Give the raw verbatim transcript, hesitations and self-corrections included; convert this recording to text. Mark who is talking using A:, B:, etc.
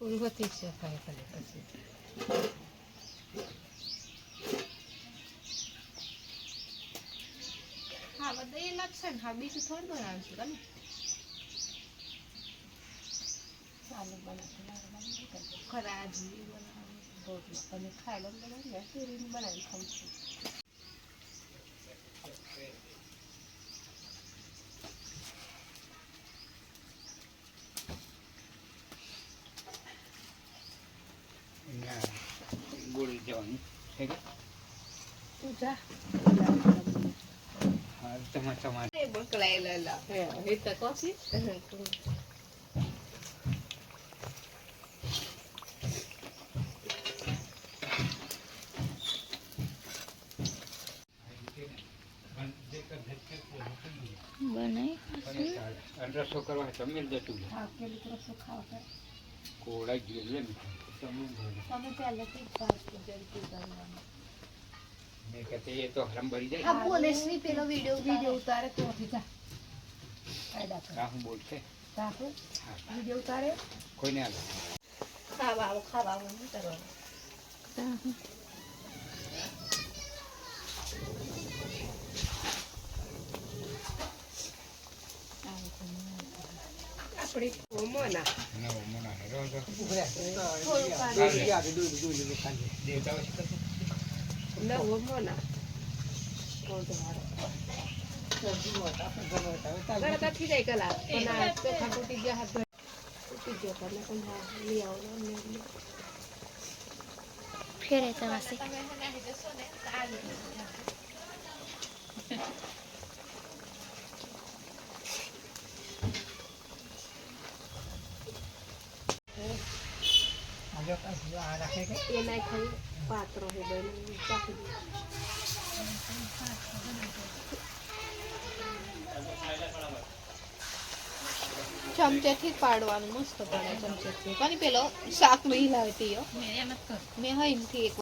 A: પૂર્વથી સફાઈ કરે પછી હા બધા એ લાગશે ને હા બીજું થોડું બનાવીશું તમે ચાલો બનાવી ખરાજી બનાવી રોટલા તમે ખાઈ લો બનાવી શેરીને બનાવી ખાઉં છું
B: ગોળી જવાનું છે કે
A: તું જા
B: હા તમારે તમારે
A: બકલાયેલા હે એ તો કોસી
B: રસો કરવા તમે જતું કોળા જોઈએ ને
A: તમે પહેલેથી જ વાત જલ્દી કરવાનું
B: મેં કહેતે એ તો હરમ ભરી જાય
A: હા બોલે શ્રી પેલો વિડિયો વિડિયો ઉતારે તો જા કાયદા કર
B: કા હું બોલતે
A: તાકો વિડિયો ઉતારે
B: કોઈને આવે
A: ખાવા આવો ખાવા આવો નહીં કરવાનું આપણી ઓમોના
B: ના ઓમોના હેરો તો
A: થોડું પાણી
B: યાદ દૂધ દૂધ ખાલી દેતા હોય તો
A: ના ઓમોના કોણ મારો સબ્જી મોટા ગણતા ગણતા થઈ જાય કલા પણ આ તો ખાટુટી ગયા હાથ તૂટી ગયો પણ પણ હા લઈ આવો ને
C: ફેરે તવાસે
A: તમે હનાહી દેશો ને સારી
B: આજો પાછું આ રાખે કે
A: એ નાઈ ખાઈ પાત્રો હે બને ચાખી દે ચમચેથી જ પાડવાનું મસ્ત પડે ચમચેથી પણ પેલો શાક નહીં લાવતી મેં એમ જ કર મેં હા એમથી એક